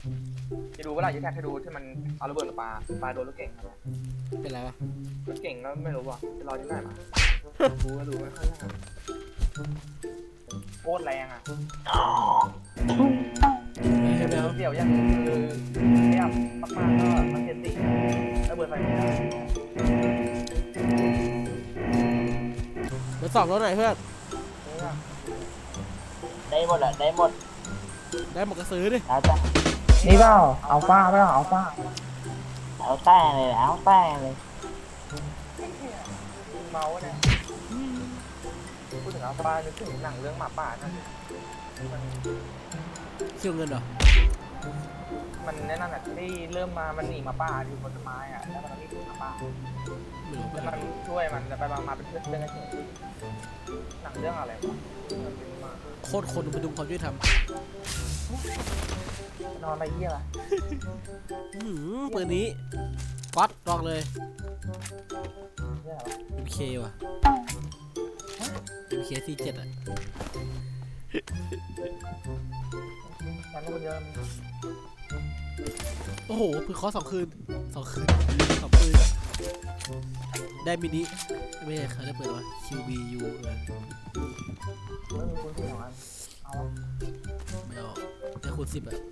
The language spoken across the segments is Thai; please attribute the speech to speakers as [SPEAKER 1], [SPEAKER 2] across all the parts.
[SPEAKER 1] จะดูเวลาจะแท็กให้ดูที่มันเอาระเบิดปลาโดนรถเก่งครับ
[SPEAKER 2] เป็นไรวะ
[SPEAKER 1] รถเก่งก็ไม่รู้ว่ะจะรอที่ไหนมาดูไม่ค่อยได้โคตรแรงอ่ะ
[SPEAKER 2] ไม่เอา
[SPEAKER 1] เดี๋ยวอย่างนึงคือเรียบมากๆก็มันเจ็ดติระเบิดไฟไม่ได้
[SPEAKER 2] เบอร์สองรถไหนเพื่อน
[SPEAKER 3] ได้หมดแหละได้หมด
[SPEAKER 2] ได้หมดก็ซื้อดิ
[SPEAKER 3] แล้วแต่
[SPEAKER 1] นี่เปล่าอัลฟาเปล่าอัลฟา
[SPEAKER 3] แล้วแต่เลยแล้วแต่เลย
[SPEAKER 1] เมาเนี่ยพูดถึงอัลฟานึกถึงหนังเรื่องหมาป่านั่น
[SPEAKER 2] เชี่ยวเงินเหรอ
[SPEAKER 1] มันแน่นอนอ่ะที่เริ่มมามันหนีหมาป่าอยู่บนต้นไม้อ่ะแล้วมันไม่ถึงหมาป่า
[SPEAKER 2] ไม่รู้
[SPEAKER 1] แล้วมันช่วยมันแล้วไปมาเป็นเพื่อนกันเฉยหนังเรื่องอะไรวะ
[SPEAKER 2] โคตรคนมาดูความยุติธรรม
[SPEAKER 1] นอนอะไรเยี่ยล่ะ
[SPEAKER 2] ปืนนี้ก๊อตลองเลย
[SPEAKER 1] เยี่ยอะไรวะ
[SPEAKER 2] MK ว่ะ MK C7 อ่ะ
[SPEAKER 1] มันคนเยอะ
[SPEAKER 2] โอ้โหปืนเคอ2 คืน2 คืน2 ปืนได้มินิไม่ใช่เขาได้เปิดว่า QBU
[SPEAKER 1] ไม่มีคนที่สองอันเอา
[SPEAKER 2] ไม่เอาได้คูณ10อ่ะ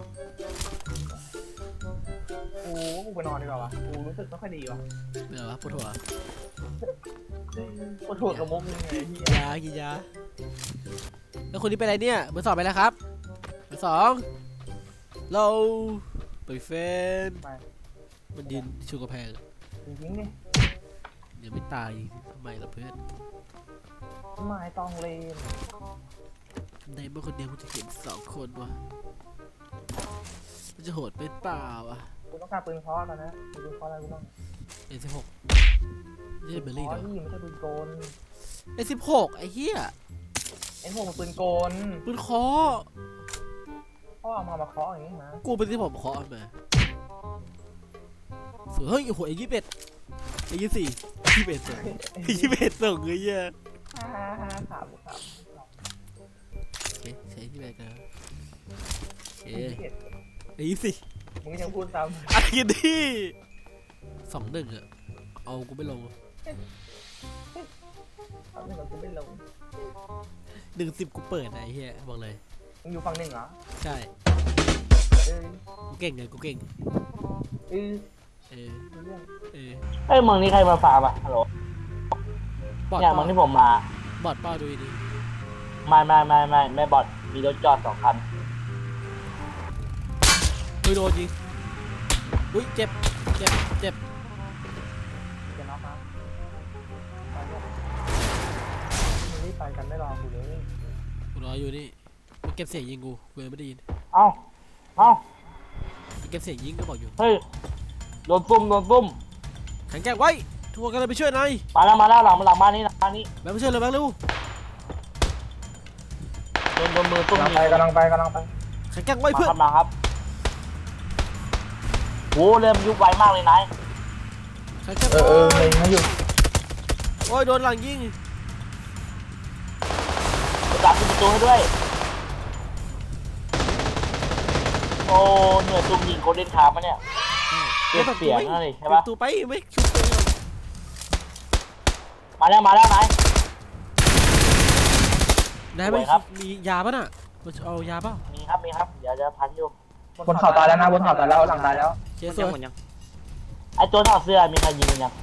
[SPEAKER 1] กูไปนอนดีกว่าวะกูรู้สึกไม่ค่อยดีวะ
[SPEAKER 2] ไม่เอาวะปวดหัว
[SPEAKER 1] ปวดหัวกับมุกยังไงที่
[SPEAKER 2] ยากินยาแล้วคนนี้ไปไหนเนี่ยเบอร์ 2ไปแล้วครับเบอร์ 2เราไปเฟน
[SPEAKER 1] ไป
[SPEAKER 2] มันดินชูกระแพง
[SPEAKER 1] จริงๆดิ
[SPEAKER 2] ยังไม่ตายทำไมล่ะเพื่อน
[SPEAKER 1] ไม้ตองเลน
[SPEAKER 2] ในเมื่อคนเดียวกูจะเห็น2 คนวะมันจะโหดเป็นเปล่าวะ
[SPEAKER 1] กูต้องการปืนเคอแล้วนะปืนเคออะไรกูบ้าง
[SPEAKER 2] A16 ไม่ใช่เบลลี่
[SPEAKER 1] อ๋อ
[SPEAKER 2] เนาะ
[SPEAKER 1] นี่ไม่ใช่ปืนโกน
[SPEAKER 2] A16 ไอ้เหี้ย
[SPEAKER 1] ไอ้พวกมันปืนโกน
[SPEAKER 2] ปืนเคอ
[SPEAKER 1] พ่อเอามาเคาะอย่างนี้นะ
[SPEAKER 2] กูเป็นที่ผมเคาะมาสวยเฮ้ยโอ้โหA21 A24 21ส่ง21ส่งเลยเหี้ย
[SPEAKER 1] ฮ่าถาม
[SPEAKER 2] โอเคใช้21กันโอเค A24
[SPEAKER 1] มึงยังพูดซ้
[SPEAKER 2] อะไรกันดิ2-1อะเอากูไม่ลง
[SPEAKER 1] ำตอนนี้กูไม่ลง
[SPEAKER 2] 1-10กูเปิดนะไอ้เหี้ยบอกเลย
[SPEAKER 1] มึงอยู่ฝั่งหนึ่งเหรอ
[SPEAKER 2] ใช่
[SPEAKER 1] เออ
[SPEAKER 2] กูเก่งไงกูเก่ง
[SPEAKER 1] เออ
[SPEAKER 2] เออ
[SPEAKER 1] เรื่อง
[SPEAKER 2] เออ
[SPEAKER 3] เอ้ยเมืองนี้ใครมาฟาร์มอ่ะฮัลโหล
[SPEAKER 2] บอด
[SPEAKER 3] เนี่ยเมืองที่ผมมา
[SPEAKER 2] บอดเป้าดูดี
[SPEAKER 3] ไม่บอดมีรถจอด2 คัน
[SPEAKER 2] เฮ้ยโดนยิงอุ้ยเจ็บเจ็บเจ็บ
[SPEAKER 1] จะน็อกนะไปเนี่ยมึงรีบไปกันไม่รอกูเลย
[SPEAKER 2] กูรออยู่นี่มันเก็บเสียงยิงกูกูยังไม่ได้ยิน
[SPEAKER 3] เอ้า
[SPEAKER 2] มันเก็บเสียงยิงก็บอกอยู่
[SPEAKER 3] เฮ้ยโดนซุ่ม
[SPEAKER 2] แข็งแกร่งไว้ทัวร์กันเลยไปช่วยนาย
[SPEAKER 3] มาแล้วหลังบ้านนี้
[SPEAKER 2] แบงค์ไปช่วยเลยแบงค์เร็ว
[SPEAKER 3] โดนมือซุ่ม
[SPEAKER 1] กำลังไป
[SPEAKER 2] แข็งแกร่งไว้เพื่อน
[SPEAKER 3] มาครับโหเริ่มยุบไวมากเลยนาย
[SPEAKER 2] แข็งแกร่ง
[SPEAKER 1] เลยมาอยู่
[SPEAKER 2] โอ้ยโดนหลังยิง
[SPEAKER 3] ประกาศปิดประตูให้ด้วยโอ้เหนื่อยซุ่มยิงโคเดนคาร์มาเนี่ยเก็บเสียงนั่นเลยใช่ปะ
[SPEAKER 2] ตูไปไม่ชุบเลย
[SPEAKER 3] มาแล้วนาย
[SPEAKER 2] นายไม่
[SPEAKER 3] ครับ
[SPEAKER 2] มียาป่ะน่ะมันเอายาป่ะ
[SPEAKER 3] มีครับเดี๋ยวจะพันอยู่
[SPEAKER 1] บนเขาตายแล้วนะบนเขาตายแล้วหลังตายแล้ว
[SPEAKER 2] เจ๊สวย
[SPEAKER 3] ไอตัวถอดเสื้อมีใครยิงยัง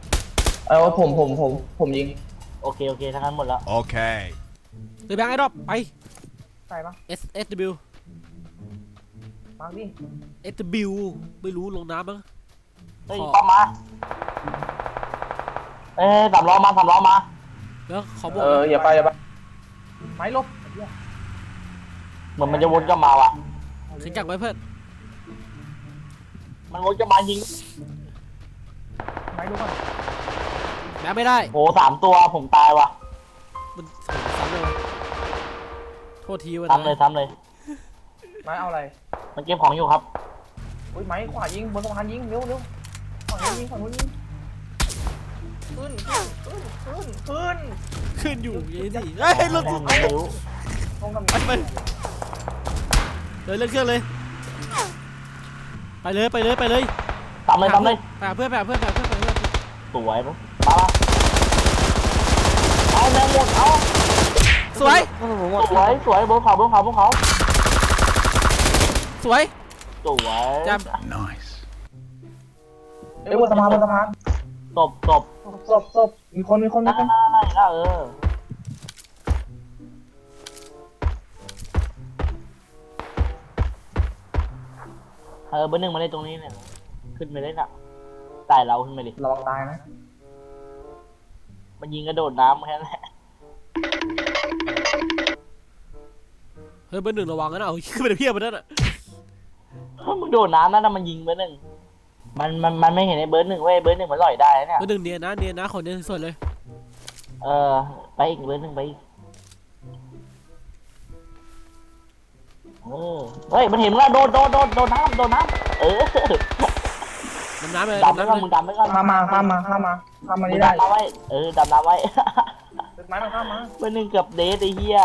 [SPEAKER 1] ผมยิง
[SPEAKER 3] โอเคทั้งนั้นหมดแล้ว
[SPEAKER 4] Okay.
[SPEAKER 2] เดี๋ยวแบงค์ไอ้ดรอปไป
[SPEAKER 1] ใช่ปะ
[SPEAKER 2] SW
[SPEAKER 1] มาร์กดิ
[SPEAKER 2] SW ไม่รู้ลงน้ำมั้ง
[SPEAKER 3] เฮ้ยปั๊มมาสามล้อมา
[SPEAKER 2] แล้วเขาบอก
[SPEAKER 1] อย่าไปไม้ลบ
[SPEAKER 3] เหมือนมันจะวนกลับมาว่ะ
[SPEAKER 2] แข็งแกร่งไว้เพื่อน
[SPEAKER 3] มันวนกลับมายิง
[SPEAKER 1] ไม้ลบก่อน
[SPEAKER 2] แบงค์ไม่ได้
[SPEAKER 3] โห3 ตัวผมตายว่ะ
[SPEAKER 2] มันซ้ำเลยวะโทษทีวะ
[SPEAKER 3] ซ้ำเลย
[SPEAKER 1] ไม้เอาอะไร
[SPEAKER 3] มันเก็บของอยู่ครับ
[SPEAKER 1] อุ้ยไม้ขวายิงบนสะพานยิงเร็วฝั่งนู้นยิงขึ้น
[SPEAKER 2] ขึ้นอยู่อยังนี่เฮ้ยรถ
[SPEAKER 3] ไม่รู้
[SPEAKER 1] ตรงกับ
[SPEAKER 2] ไปเดินเรื่องเครื่องเลยไปเลยไปเลยไปเลย
[SPEAKER 3] ตามเลยตามเลย
[SPEAKER 2] ไปหาเพื่อนไปหาเพื่อนไปหาเพื่อนไปหาเพื่อน
[SPEAKER 3] สวยมั้งมาเอาแมงหมดเอา
[SPEAKER 2] สวย
[SPEAKER 3] สวยสวยบนเขาบนเขาบนเขา
[SPEAKER 2] สวย
[SPEAKER 3] สวย
[SPEAKER 2] จ
[SPEAKER 1] เอ้ยบนสะพานบนสะพาน
[SPEAKER 3] ตบตบ
[SPEAKER 1] ศพมีคนมีคนมี
[SPEAKER 3] ได้
[SPEAKER 1] คน
[SPEAKER 3] ได้เบอร์หนึ่งมาได้ตรงนี้เนี่ยขึ้นไปได้น่ะตายเราขึ้นไปดิ
[SPEAKER 1] ระวังตายนะ
[SPEAKER 3] มันยิงกระโดดน้ำแค่นั้นแหละ
[SPEAKER 2] เฮ้ยเบอร์หนึ่งระวังนะเอาขึ้นไปเพียบไปนั่นอ่ะ
[SPEAKER 3] มึงโดดน้ำนั่นนะมันยิงเบอร์หนึ่งมันไม่เห็นไอ้เบอร์หนึ่งเว้ยเบอร์หนึ่งมันลอยได้เนี่ย
[SPEAKER 2] เบอร์หนึ่งเนียนนะคนเนียนสุดเลย
[SPEAKER 3] ไปอีกเบอร์หนึ่งไปอีกเฮ้ยมันเห็นแล้วโดนน้ำโดนน้ำ
[SPEAKER 2] ดำน้ำเลย
[SPEAKER 3] ดำไม่ก่อนมึงดำไม่ก่อน
[SPEAKER 1] ข้ามมานี่ได้
[SPEAKER 3] ดำน้ำไว้ดำน้ำไว้
[SPEAKER 1] ตึกไม้มันข้ามมา
[SPEAKER 3] เบอร์หนึ่งเกือบเดทไอ้เหี้ย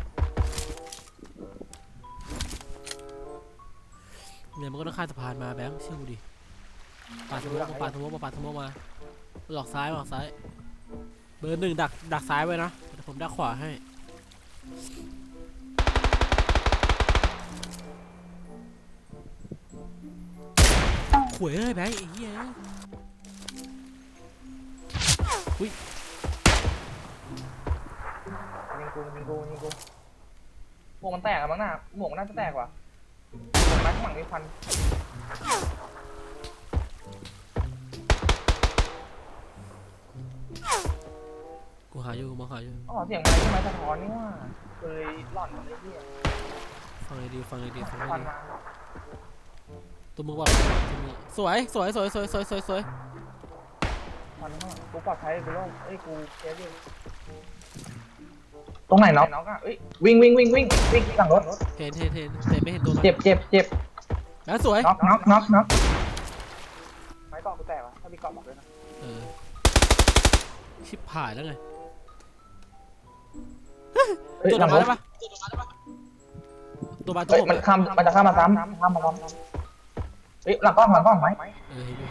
[SPEAKER 2] เนี่ยมันก็ต้องข้ามสะพานมาแบงค์เชื่อกูดิปาดสมมติมาหลอกซ้ายเบอร์หนึ่งดักซ้ายไว้นะแต่ผมดักขวาให้ขวยเลยแบงค์ไอ้เหี้ยอุ้ย
[SPEAKER 1] ยิงกูหมวกมันแตกอะมั้งน่ะหมวกมันน่าจะแตกว่ะไม้ข้างหลังมีควัน
[SPEAKER 2] กูหาอยู่มองหาอยู่
[SPEAKER 1] อ๋อเสียงอะไรที่ไม้สะท้อนนี่ว่าเคยหล่อนอะไรที่
[SPEAKER 2] ฟังเลยดี
[SPEAKER 1] ควันมา
[SPEAKER 2] ตัวมึงว่าสวย
[SPEAKER 1] ควันข้างหลังกูปลอดภัยกูโล่งเอ้ยกูเจ๊ดิตรงไหนน็อกอ่ะเอ้ยวิ่งหลังรถ
[SPEAKER 2] เห็นแต่ไม่เห็นตัวมัน
[SPEAKER 1] เจ็บ
[SPEAKER 2] แล้วสวย
[SPEAKER 1] น็อกไม้เกาะกูแตกว่ะถ้ามีเกาะบอกด้วยนะ
[SPEAKER 2] ชิบหายแล้วไง
[SPEAKER 1] เฮ้ย
[SPEAKER 2] ตัว
[SPEAKER 1] หลัง
[SPEAKER 2] มาร
[SPEAKER 1] ถ
[SPEAKER 2] ได้ปะตัวมาตัว
[SPEAKER 1] เฮ้ย
[SPEAKER 2] ผม
[SPEAKER 1] มันจะข้ามมาซ้ำเฮ้ยหลังกล้องไหม
[SPEAKER 2] เห็นอยู่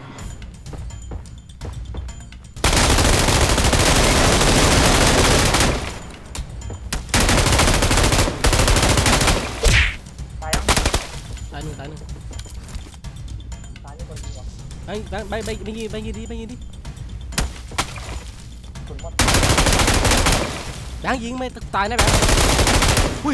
[SPEAKER 1] ตายยัง
[SPEAKER 2] ตายหนึ่ง
[SPEAKER 1] ตายนี่คนดีกว่า
[SPEAKER 2] ไปยิงดิ
[SPEAKER 1] คุณหมด
[SPEAKER 2] แบงค์ยิงไม่ตายนะแบงค์อุ้ย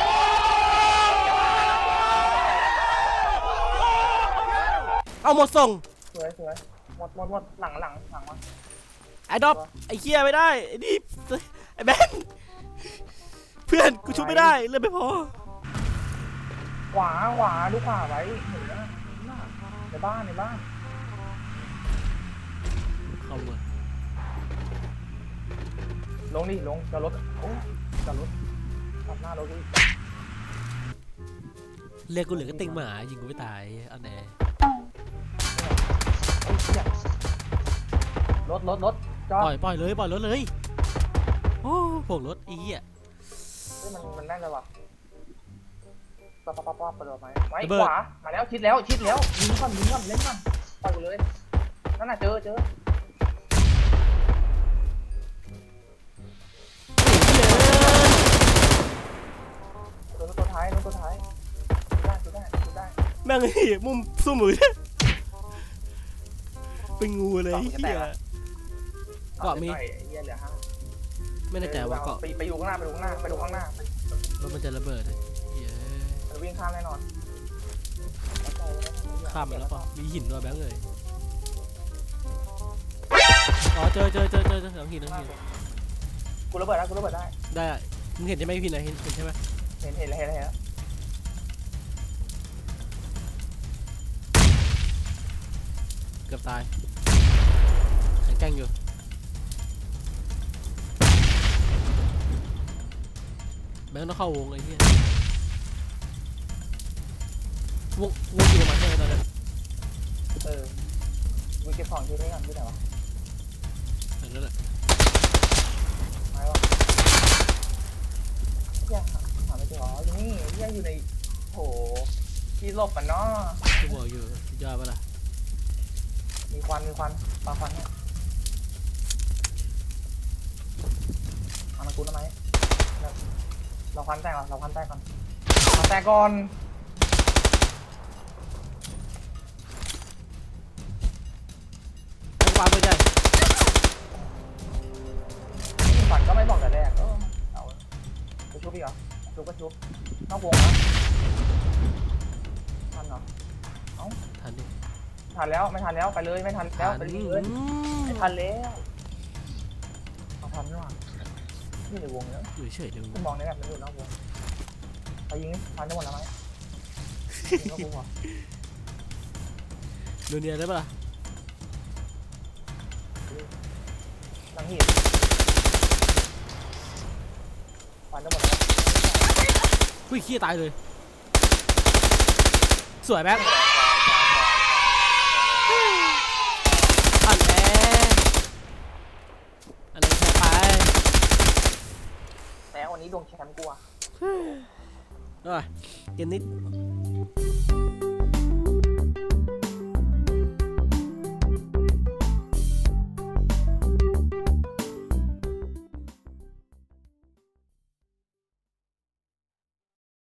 [SPEAKER 2] เอาหมดส่ง
[SPEAKER 1] สวยหมดหลังวะ
[SPEAKER 2] ไอ้ดอปไอ้เคียไม่ได้ไอ้นี่ไอ้แบงค์เพื่อนกูชุบไม่ได้เลือดไม่พอ
[SPEAKER 1] ขวาดูขวาไว้เห็นนะในบ้าน
[SPEAKER 2] เข้ามา
[SPEAKER 1] ลงจะรถโอ้จะรถตัดหน้ารถดิ
[SPEAKER 2] เรียกกูเหลือก็ติงหมายิงกูไม่ตายเอาแน่
[SPEAKER 1] รถจอด
[SPEAKER 2] ปล่อยรถเลยโอ้โผงรถอีอ่ะ
[SPEAKER 1] มันแน่นเลยว่ะปั๊บเปิดไหมไม้ขวามาแล้วชิดแล้วยิงก่อนเล่นก่อนปล่อยกูเลยนั่นน่ะเจอตัวท้ายได้
[SPEAKER 2] แม่งไอ้มุมสู้มือเป็นงูเลยเฮียเกาะมี
[SPEAKER 1] เหี้ยเหลือ5
[SPEAKER 2] ไม่แน่ใจว่าเกาะ
[SPEAKER 1] ไปดูข้างหน้า
[SPEAKER 2] รถมันจะระเบิดเลยเฮีย
[SPEAKER 1] มันวิ่งข้ามแน่นอน
[SPEAKER 2] ข้ามไปแล้วป่ะมีหินด้วยแบงค์เลยอ๋อเจอหลังหิน
[SPEAKER 1] กูระเบิดได้
[SPEAKER 2] ได้มึงเห็นใช่ไหมพี่นะเห็นใช่ไหม
[SPEAKER 1] เห็นแล้ว
[SPEAKER 2] เกือบตายแข็งแกร่งอยู่แบงค์ต้องเข้าวงไอ้เหี้ยวงอยู่ประมาณเท่าไหร่ตอนนั้น
[SPEAKER 1] กูเก็บของที่นี่ก่อนที่ไหนวะ
[SPEAKER 2] นั่นแหละ
[SPEAKER 1] ไม้วะหาไม่เจออยู่นี่อยู่ในโถพี่หลบมันเนาะ
[SPEAKER 2] กูบอกอยู่สุดยอดปะล่ะ
[SPEAKER 1] มีควันปลาควันเนี่ยเอามากูทำไมเราควันแตกก่อนเราควันแตกก่อนควันแตกก่อน
[SPEAKER 2] ไอ้กวางตัวใหญ่
[SPEAKER 1] ควันก็ไม่บอกแต่แรกเอาไปชุบอีกเหรอชุบก็ชุบนอกวงนะทันเหรอ
[SPEAKER 2] ทันดิ
[SPEAKER 1] ทันแล้วไม่ทันแล้วไปเลยไม่ทันแล้วไปเลย ไม่ทันแล้วเอาทันด้วยนี่ในวงเนี้ย
[SPEAKER 2] อยู่เฉยๆเลยมึง
[SPEAKER 1] กูมองในแบบมันอยู่นอกวงไปยิงนี่ทันได้หมดแล้วไหมยิงนอกวงเหรอ
[SPEAKER 2] ดูเนียนได้ปะล่ะ
[SPEAKER 1] หลังหินทันได้หมดแล้ว
[SPEAKER 2] อุ้ยขี้ตายเลยสวยแบงค์อันแออันนี้แพ้ไป
[SPEAKER 1] แต่วันนี้ดวงแชมป์กูอะ
[SPEAKER 2] เอ้ยเกมนี้